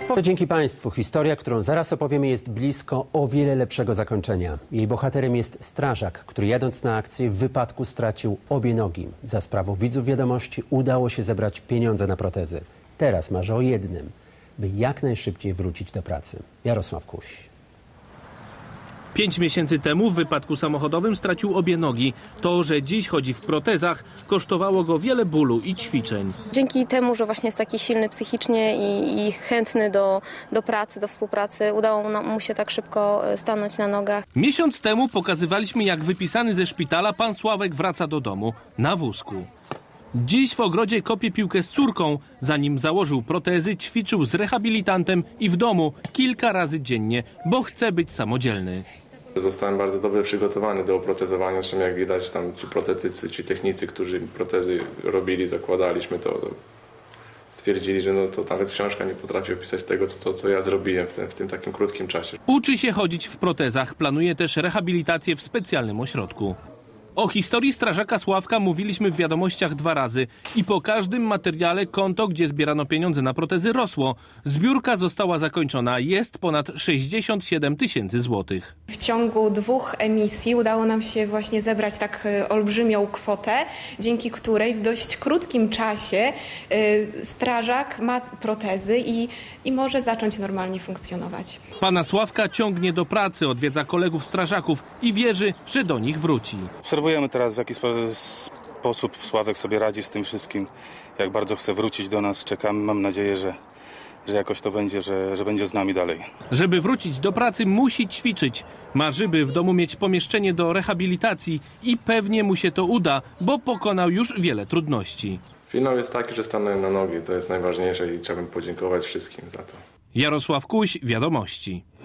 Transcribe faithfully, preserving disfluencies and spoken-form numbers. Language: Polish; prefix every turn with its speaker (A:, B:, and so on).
A: To dzięki Państwu. Historia, którą zaraz opowiemy, jest blisko o wiele lepszego zakończenia. Jej bohaterem jest strażak, który jadąc na akcję w wypadku stracił obie nogi. Za sprawą widzów Wiadomości udało się zebrać pieniądze na protezy. Teraz marzy o jednym, by jak najszybciej wrócić do pracy. Jarosław Kuś.
B: Pięć miesięcy temu w wypadku samochodowym stracił obie nogi. To, że dziś chodzi w protezach, kosztowało go wiele bólu i ćwiczeń.
C: Dzięki temu, że właśnie jest taki silny psychicznie i, i chętny do, do pracy, do współpracy, udało mu się tak szybko stanąć na nogach.
B: Miesiąc temu pokazywaliśmy, jak wypisany ze szpitala pan Sławek wraca do domu na wózku. Dziś w ogrodzie kopie piłkę z córką. Zanim założył protezy, ćwiczył z rehabilitantem i w domu kilka razy dziennie, bo chce być samodzielny.
D: Zostałem bardzo dobrze przygotowany do oprotezowania, zresztą jak widać tam ci protetycy, ci technicy, którzy protezy robili, zakładaliśmy to, to stwierdzili, że no to nawet książka nie potrafi opisać tego, co, co ja zrobiłem w tym, w tym takim krótkim czasie.
B: Uczy się chodzić w protezach, planuje też rehabilitację w specjalnym ośrodku. O historii strażaka Sławka mówiliśmy w Wiadomościach dwa razy i po każdym materiale konto, gdzie zbierano pieniądze na protezy, rosło. Zbiórka została zakończona, jest ponad sześćdziesiąt siedem tysięcy złotych.
E: W ciągu dwóch emisji udało nam się właśnie zebrać tak olbrzymią kwotę, dzięki której w dość krótkim czasie strażak ma protezy i, i może zacząć normalnie funkcjonować.
B: Pana Sławka ciągnie do pracy, odwiedza kolegów strażaków i wierzy, że do nich wróci.
F: Obserwujemy teraz, w jaki sposób Sławek sobie radzi z tym wszystkim, jak bardzo chce wrócić do nas. Czekamy, mam nadzieję, że, że jakoś to będzie, że, że będzie z nami dalej.
B: Żeby wrócić do pracy, musi ćwiczyć. Marzy, by w domu mieć pomieszczenie do rehabilitacji i pewnie mu się to uda, bo pokonał już wiele trudności.
D: Finał jest taki, że stanąłem na nogi, to jest najważniejsze i chciałbym podziękować wszystkim za to.
B: Jarosław Kuś, Wiadomości.